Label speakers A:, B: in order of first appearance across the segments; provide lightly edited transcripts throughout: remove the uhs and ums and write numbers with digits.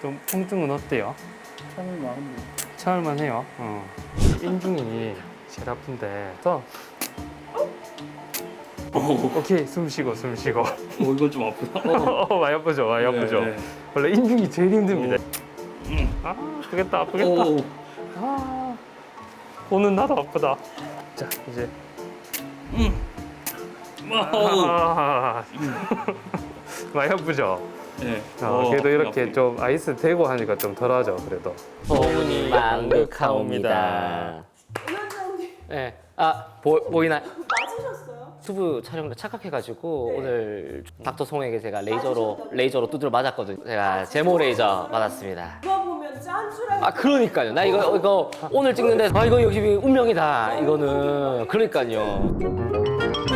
A: 좀 통증은 어때요?
B: 참을만한데.
A: 참을만 해요. 인중이 제일 아픈데. 또 오케이, 숨 쉬고.
B: 이건 좀 아프다.
A: 많이 아프죠, 많이 아프죠.
B: 네.
A: 원래 인중이 제일 힘듭니다. 아프겠다. 오는 나도 아프다. 자, 이제. 많이 아프죠?
B: 네.
A: 그래도 이렇게 좀 아이스 대고 하니까 좀 덜하죠, 그래도.
C: 소문이 만극하옵니다.
D: 은원장님
C: 네. 보이나요?
D: 맞으셨어요?
C: 유튜브 촬영을 착각해가지고 오늘 닥터 송에게 제가 레이저로 두드려 맞았거든요. 제가 제모 레이저 받았습니다.
D: 누가 보면 짠 줄 알고
C: 그러니까요. 나 이거 오늘 찍는데 이거 역시 운명이다. 이거는 그러니까요.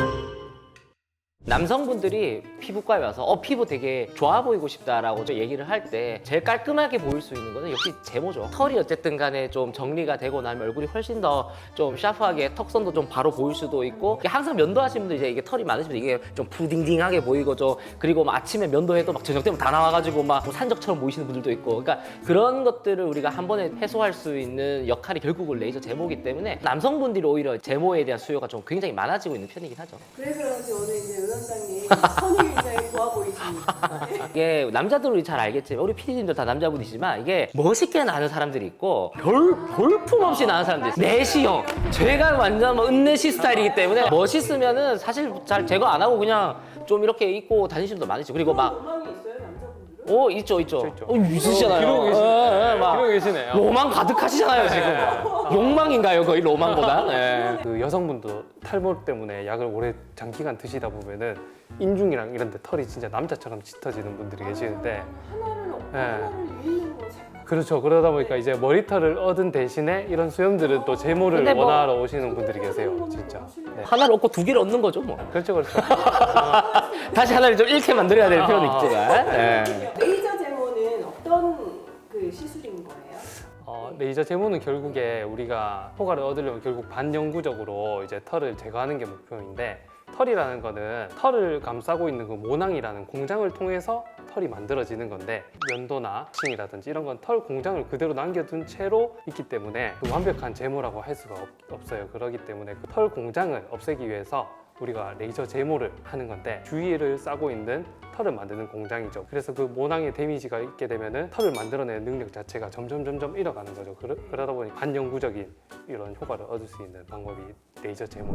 C: 남성분들이 피부과에 와서 피부 되게 좋아 보이고 싶다라고 얘기를 할 때 제일 깔끔하게 보일 수 있는 거는 역시 제모죠. 털이 어쨌든 간에 좀 정리가 되고 나면 얼굴이 훨씬 더 좀 샤프하게 턱선도 좀 바로 보일 수도 있고, 항상 면도하시는 분들 이제 이게 털이 많으시면 이게 좀 푸딩딩하게 보이고 그리고 막 아침에 면도해도 막 저녁 되면 다 나와가지고 막 산적처럼 보이시는 분들도 있고, 그러니까 그런 것들을 우리가 한 번에 해소할 수 있는 역할이 결국은 레이저 제모이기 때문에 남성분들이 오히려 제모에 대한 수요가 좀 굉장히 많아지고 있는 편이긴 하죠.
D: 그래서 그런지 오늘 이제 은원장님 선이 굉장히 좋아 보이십니다.
C: 이게 남자들이 잘 알겠지만 우리 PD님들 다 남자분이지만 이게 멋있게 나는 사람들이 있고 볼품 없이 나는 사람들이 있어요. 내시형, 제가 완전 은내시 스타일이기 때문에 멋있으면은 사실 잘 제거 안 하고 그냥 좀 이렇게 입고 다니시는 분도 많으시죠. 그리고 막
D: 로망이 있어요, 남자분들은?
C: 있죠.
A: 있죠.
C: 있으시잖아요.
A: 기르고 계시네.
C: 막
A: 기르고 계시네요.
C: 로망 가득하시잖아요 지금. 욕망인가요 거의 로망보다? 네.
A: 그 여성분도 탈모 때문에 약을 오래 장기간 드시다 보면은 인중이랑 이런 데 털이 진짜 남자처럼 짙어지는 분들이 계시는데,
D: 하나를 얻고
A: 네.
D: 하나를 잃는 거죠.
A: 그렇죠. 그러다 보니까 이제 머리털을 얻은 대신에 이런 수염들은 또 제모를
C: 근데 뭐-
A: 원하러 오시는 분들이 계세요, 진짜. 네.
C: 하나를 얻고 두 개를 얻는 거죠 뭐.
A: 그렇죠.
C: 다시 하나를 좀 잃게 만들어야 될 필요는 있지만. 네.
D: 레이저 제모는 어떤 그 시술인 거예요?
A: 레이저 제모는 결국에 우리가 효과를 얻으려면 결국 반영구적으로 이제 털을 제거하는 게 목표인데, 털이라는 거는 털을 감싸고 있는 그 모낭이라는 공장을 통해서 털이 만들어지는 건데, 면도나 층이라든지 이런 건 털 공장을 그대로 남겨둔 채로 있기 때문에 그 완벽한 제모라고 할 수가 없어요. 그렇기 때문에 그 털 공장을 없애기 위해서 우리가 레이저 제모를 하는 건데, 주위를 싸고 있는 털을 만드는 공장이죠. 그래서 그 모낭에 데미지가 있게 되면은 털을 만들어내는 능력 자체가 점점 잃어가는 거죠. 그러다 보니 반영구적인 이런 효과를 얻을 수 있는 방법이 레이저 제모.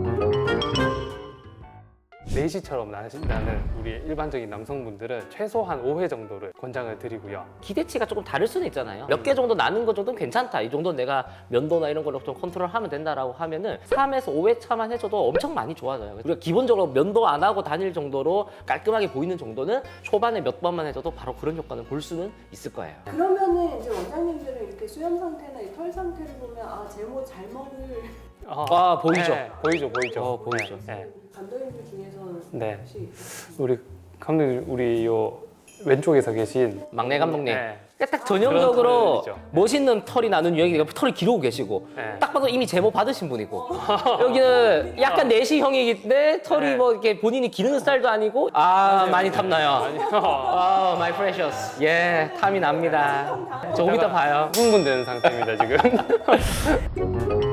A: 내시처럼 나는 우리 일반적인 남성분들은 최소한 5회 정도를 권장을 드리고요.
C: 기대치가 조금 다를 수는 있잖아요. 몇 개 정도 나는 것 정도는 괜찮다. 이 정도는 내가 면도나 이런 걸로 좀 컨트롤하면 된다라고 하면은 3에서 5회 차만 해줘도 엄청 많이 좋아져요. 우리가 기본적으로 면도 안 하고 다닐 정도로 깔끔하게 보이는 정도는 초반에 몇 번만 해줘도 바로 그런 효과는 볼 수는 있을 거예요.
D: 그러면은 이제 원장님들은 이렇게 수염 상태나 이 털 상태를 보면 제모 잘 먹을
C: 보이죠?
A: 네, 보이죠.
C: 보이죠.
A: 네.
D: 감독님들 중에서는
A: 네.
D: 혹시
A: 우리 감독님, 우리 요 왼쪽에서 계신
C: 막내 감독님.
A: 네.
C: 딱 전형적으로
A: 그런 털이죠.
C: 멋있는 털이 나는 유형이 털이 기르고 계시고,
A: 네.
C: 딱 봐도 이미 제모 받으신 분이고, 여기는 약간 내시형이긴데 털이
A: 네.
C: 뭐 이렇게 본인이 기르는 스타일도 아니고, 많이 탐나요. my precious. 예, 탐이 납니다. 조금 이따 봐요.
A: 흥분되는 상태입니다 지금.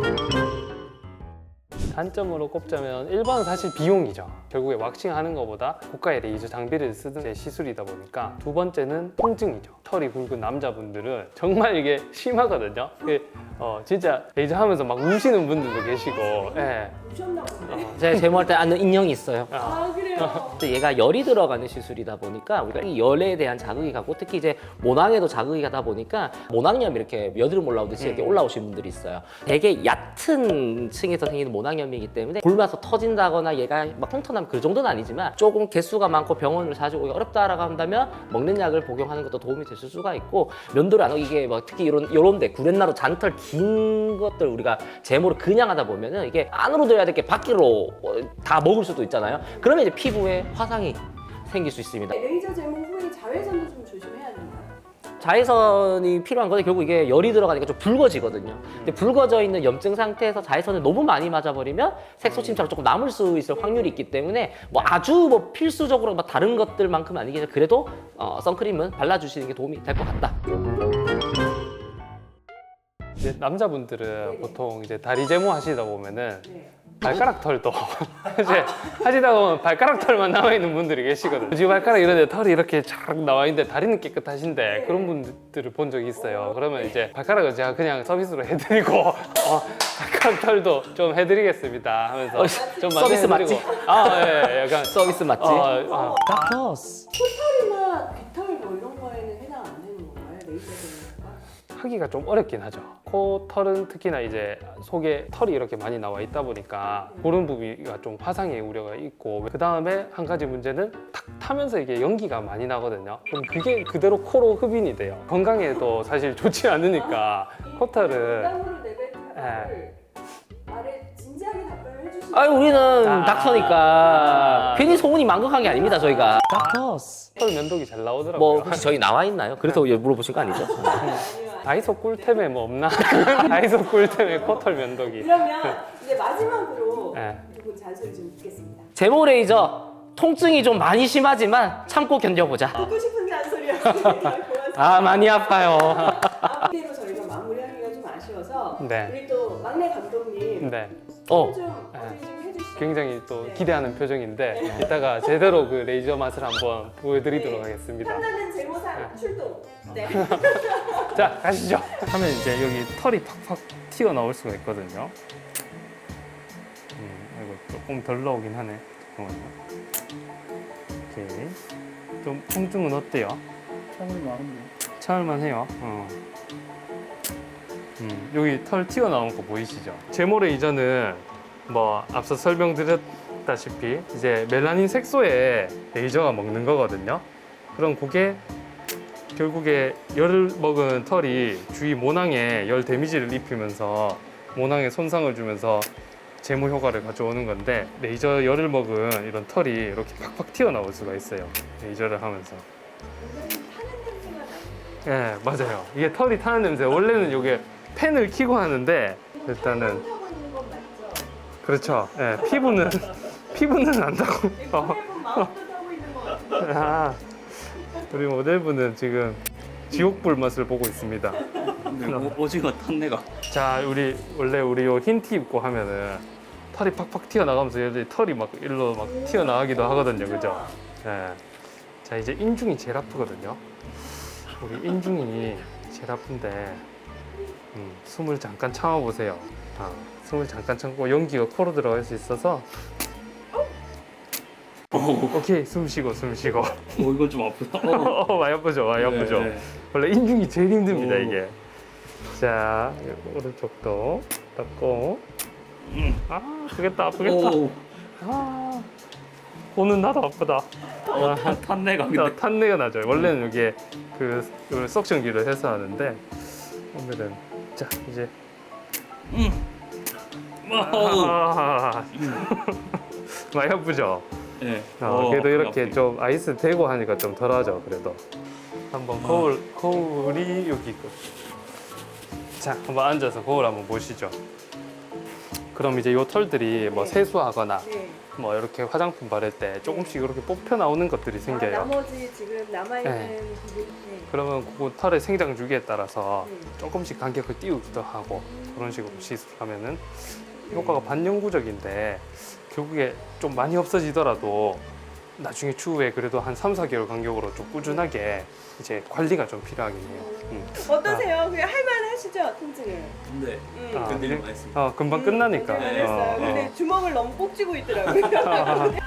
A: 단점으로 꼽자면 1번은 사실 비용이죠. 결국에 왁싱하는 것보다 고가의 레이저 장비를 쓰는 시술이다 보니까, 두 번째는 통증이죠. 털이 굵은 남자분들은 정말 이게 심하거든요. 진짜 레이저 하면서 막 우시는 분들도 계시고. 예.
D: 우셨나 보네.
C: 제가 제모할 때 아는 인형이 있어요.
D: 그래요?
C: 근데 얘가 열이 들어가는 시술이다 보니까 우리가 이 열에 대한 자극이 가고, 특히 이제 모낭에도 자극이 가다 보니까 모낭염이 이렇게 여드름 올라오듯이 이렇게 올라오시는 분들이 있어요. 되게 얕은 층에서 생기는 모낭염이기 때문에 굶어서 터진다거나 얘가 막 흉터나면 그 정도는 아니지만, 조금 개수가 많고 병원을 자주 오기 어렵다라고 한다면 먹는 약을 복용하는 것도 도움이 되실 수가 있고, 면도를 안 하고 이게 뭐 특히 이런 데 구렛나루 잔털 긴 것들 우리가 제모를 그냥 하다 보면은 이게 안으로 들어야 될 게 밖으로 다 먹을 수도 있잖아요. 그러면 이제 피부에 화상이 생길 수 있습니다.
D: 레이저 제모 후에 자외선도 좀 조심해야 되나요?
C: 자외선이 필요한 건데 결국 이게 열이 들어가니까 좀 붉어지거든요. 근데 붉어져 있는 염증 상태에서 자외선을 너무 많이 맞아버리면 색소 침착으로 조금 남을 수 있을 확률이 있기 때문에 뭐 아주 뭐 필수적으로 막 다른 것들만큼 아니겠지만 그래도 선크림은 발라주시는 게 도움이 될 것 같다.
A: 이제 남자분들은 보통 이제 다리 제모 하시다 보면은
D: 네.
A: 발가락 털도 이제 하시다 보면 발가락 털만 남아 있는 분들이 계시거든요. 지금 발가락 이런데 털이 이렇게 쫙 나와 있는데 다리는 깨끗하신데 그런 분들을 본 적이 있어요. 그러면 이제 발가락을 제가 그냥 서비스로 해드리고 발가락 털도 좀 해드리겠습니다 하면서 좀
C: 서비스
A: 만져드리고. 예, 약간
C: 서비스 맞지? 닥터스.
D: 코털이나 귀털 뭐 이런 거에는 해당 안 되는 건가요? 레이저 제모가?
A: 하기가 좀 어렵긴 하죠. 코 털은 특히나 이제 속에 털이 이렇게 많이 나와 있다 보니까 그런 부위가 좀 화상의 우려가 있고, 그 다음에 한 가지 문제는 탁 타면서 이게 연기가 많이 나거든요. 그럼 그게 그대로 코로 흡인이 돼요. 건강에도 사실 좋지 않으니까 코털은
D: 부담으로 내뱉은 말을 말에 진지하게 답변을 해주시면
C: 아유 우리는
A: 아.
C: 닥터니까 괜히 소문이 망극한 게 아닙니다 저희가. 닥터스.
A: 털 면도기 잘 나오더라고요.
C: 뭐 혹시 저희 나와 있나요? 그래서 물어보신 거 아니죠?
A: 다이소 꿀템에 뭐 없나? 다이소 꿀템에 코털 면도기.
D: 그러면 이제 마지막으로
A: 네.
D: 두 분 잔소리 좀 듣겠습니다.
C: 제모 레이저 통증이 좀 많이 심하지만 참고 견뎌보자.
D: 듣고 싶은 잔소리였습니다. 고맙습니다.
C: 아 많이 아파요.
D: 이대로 저희가 마무리하기가 좀 아쉬워서
A: 네.
D: 우리 또 막내 감독님
A: 네.
C: 어.
D: 좀 어떻게 좀 해주시죠.
A: 굉장히 또
D: 네.
A: 기대하는 표정인데 이따가 제대로 그 레이저 맛을 한번 보여드리도록 하겠습니다.
D: 탐나는 제모사 출동. 네.
A: 자, 가시죠.
B: 하면 이제 여기 털이 팍팍 튀어나올 수가 있거든요. 이거 조금 덜 나오긴 하네. 잠깐만요. 오케이. 좀 통증은 어때요? 참을만 해요. 여기 털 튀어나온 거 보이시죠? 제모 레이저는 뭐 앞서 설명드렸다시피 이제 멜라닌 색소에 레이저가 먹는 거거든요. 그럼 그게 결국에 열을 먹은 털이 주위 모낭에 열 데미지를 입히면서 모낭에 손상을 주면서 제모 효과를 가져오는 건데, 레이저 열을 먹은 이런 털이 이렇게 팍팍 튀어나올 수가 있어요. 레이저를 하면서. 예, 맞아요. 이게 털이 타는 냄새. 원래는 이게 팬을 켜고 하는데 일단은
D: 하고 있는 건 맞죠?
A: 그렇죠. 예, 피부는 안다고.
D: 모델분 마음도 하고 있는 것 같은데.
A: 아, 우리 모델분은 지금 지옥불 맛을 보고 있습니다.
B: 근데 오징어 탄내가.
A: 자, 원래 우리 요 흰 티 입고 하면은 털이 팍팍 튀어나가면서 얘들이 털이 막 일로 막 튀어나가기도 하거든요, 그죠? 예. 자, 이제 인중이 제일 아프거든요. 우리 인중이 제일 아픈데 숨을 잠깐 참아보세요. 숨을 잠깐 참고 연기가 코로 들어갈 수 있어서. 오케이, 숨 쉬고.
B: 이건 좀 아프다.
A: 많이 아프죠, 많이 아프죠.
B: 네.
A: 원래 인중이 제일 힘듭니다,
B: 오.
A: 이게. 자, 오른쪽도 닦고. 아프겠다.
B: 오,
A: 코는 나도 아프다.
B: 탄내가 근데.
A: 탄내가 나죠. 원래는 이게 이걸 석션기로 해서 하는데 오늘은 자 이제 많이 아프죠.
B: 네.
A: 그래도 이렇게 좀 아이스 대고 하니까 좀 덜하죠. 그래도 한번 거울이 여기 있고. 자, 한번 앉아서 거울 한번 보시죠. 그럼 이제 요 털들이 뭐 세수하거나
D: 네.
A: 뭐 이렇게 화장품 바를 때 조금씩 이렇게 뽑혀 나오는 것들이 생겨요.
D: 나머지 지금 남아있는
A: 네.
D: 부분. 네.
A: 그러면 그 털의 생장 주기에 따라서
D: 네.
A: 조금씩 간격을 띄우기도 하고 그런 식으로 시술하면은 효과가 반영구적인데 결국에 좀 많이 없어지더라도 나중에 추후에 그래도 한 3, 4개월 간격으로 좀 꾸준하게 이제 관리가 좀 필요하긴 해요.
D: 어떠세요? 그냥 할만하시죠? 통증을?
B: 근데
A: 아,
B: 끝내려고 했습니다.
A: 금방 끝나니까.
D: 네, 알겠어요. 근데 주먹을 너무 꼭 쥐고 있더라고요.